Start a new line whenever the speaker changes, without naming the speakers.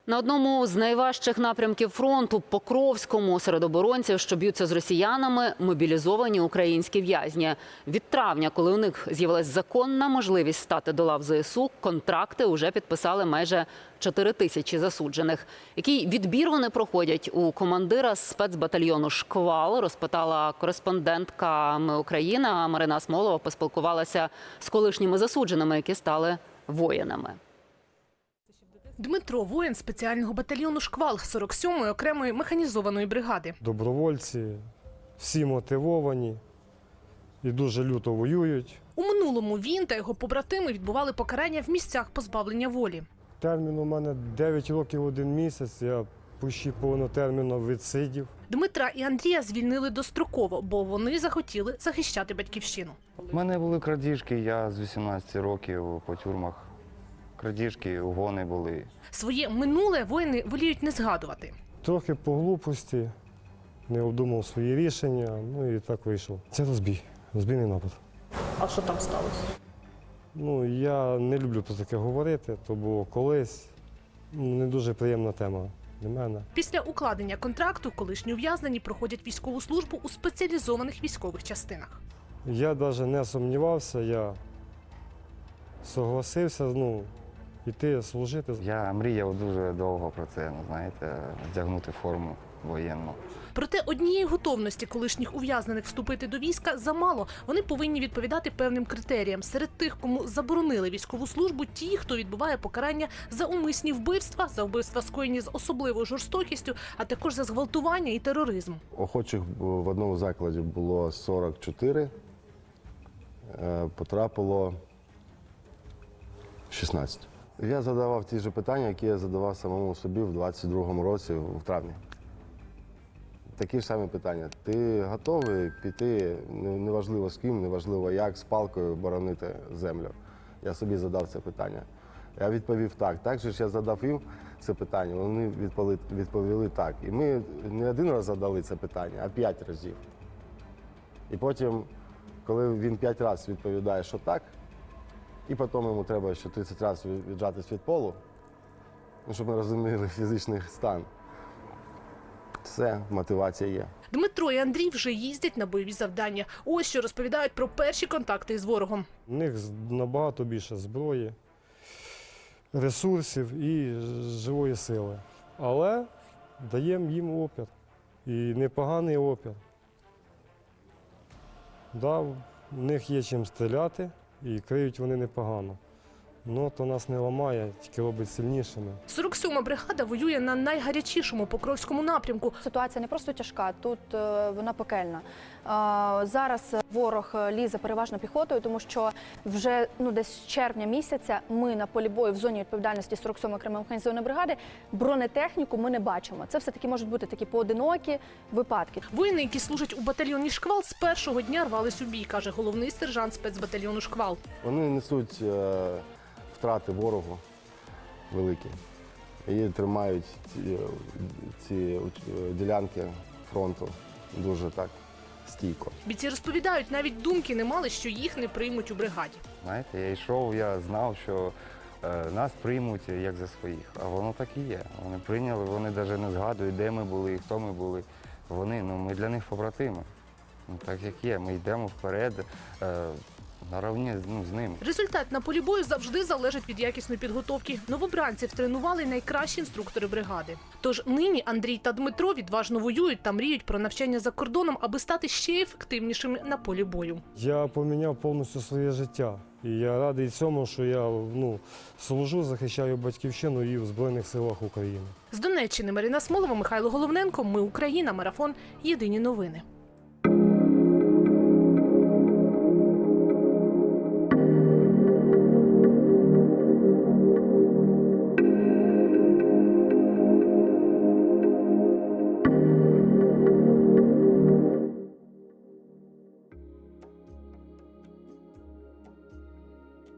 На одному з найважчих напрямків фронту – Покровському, серед оборонців, що б'ються з росіянами, мобілізовані українські в'язні. Від травня, коли у них з'явилася законна можливість стати до лав ЗСУ, контракти вже підписали майже 4 тисячі засуджених. Який відбір вони проходять у командира спецбатальйону «Шквал», розпитала кореспондентка «Ми Україна» Марина Смолова, поспілкувалася з колишніми засудженими, які стали воїнами.
Дмитро – воїн спеціального батальйону «Шквал» 47-ї окремої механізованої бригади.
Добровольці, всі мотивовані і дуже люто воюють.
У минулому він та його побратими відбували покарання в місцях позбавлення волі.
Термін у мене 9 років 1 місяць, я почти повнотерміно відсидів.
Дмитра і Андрія звільнили достроково, бо вони захотіли захищати батьківщину.
У мене були крадіжки, я з 18 років по тюрмах. Крадіжки, угони були.
Своє минуле воїни воліють не згадувати.
Трохи по глупості, не обдумав свої рішення, ну і так вийшло. Це розбійний напад.
А що там сталося?
Ну, я не люблю про таке говорити, то було колись не дуже приємна тема для мене.
Після укладення контракту колишні ув'язнені проходять військову службу у спеціалізованих військових частинах.
Я навіть не сумнівався, я согласився, йти служити.
Я мріяв дуже довго про це, знаєте, вдягнути форму воєнну.
Проте однієї готовності колишніх ув'язнених вступити до війська замало. Вони повинні відповідати певним критеріям. Серед тих, кому заборонили військову службу, ті, хто відбуває покарання за умисні вбивства, за вбивства скоєні з особливою жорстокістю, а також за зґвалтування і тероризм.
Охочих в одному закладі було 44, потрапило 16. Я задавав ті ж питання, які я задавав самому собі в 22-му році, в травні. Такі ж самі питання. Ти готовий піти, неважливо з ким, неважливо як, з палкою боронити землю? Я собі задав це питання. Я відповів так. Так же ж я задав їм це питання, вони відповіли так. І ми не один раз задали це питання, а 5 разів. І потім, коли він 5 разів відповідає, що так, і потім йому треба ще 30 разів віджатись від полу, щоб ми розуміли фізичний стан. Все, мотивація є.
Дмитро і Андрій вже їздять на бойові завдання. Ось що розповідають про перші контакти із ворогом.
У них набагато більше зброї, ресурсів і живої сили. Але даємо їм опір. І непоганий опір. Да, у них є чим стріляти і криють вони непогано. Ну, то нас не ламає, тільки робить сильнішими.
47-ма бригада воює на найгарячішому Покровському напрямку.
Ситуація не просто тяжка, тут вона пекельна. Зараз ворог лізе переважно піхотою, тому що вже десь з червня місяця ми на полі бою в зоні відповідальності 47-ї окремої механізованої бригади бронетехніку ми не бачимо. Це все-таки можуть бути такі поодинокі випадки.
Воїни, які служать у батальйоні «Шквал», з першого дня рвались у бій, каже головний сержант спецбатальйону «Шквал».
Вони несуть втрати ворогу великі. І тримають ці ділянки фронту дуже так стійко.
Бійці розповідають, навіть думки не мали, що їх не приймуть у бригаді.
Знаєте, я йшов, я знав, що нас приймуть як за своїх. А воно так і є. Вони прийняли, вони навіть не згадують, де ми були, хто ми були. Ми для них побратими. Так як є, ми йдемо вперед. Наравні з ними.
Результат на полі бою завжди залежить від якісної підготовки. Новобранців тренували найкращі інструктори бригади. Тож нині Андрій та Дмитро відважно воюють та мріють про навчання за кордоном, аби стати ще ефективнішими на полі бою.
Я поміняв повністю своє життя. І я радий цьому, що я служу, захищаю батьківщину і в Збройних силах України.
З Донеччини Марина Смолова, Михайло Головненко. Ми Україна. Марафон. Єдині новини.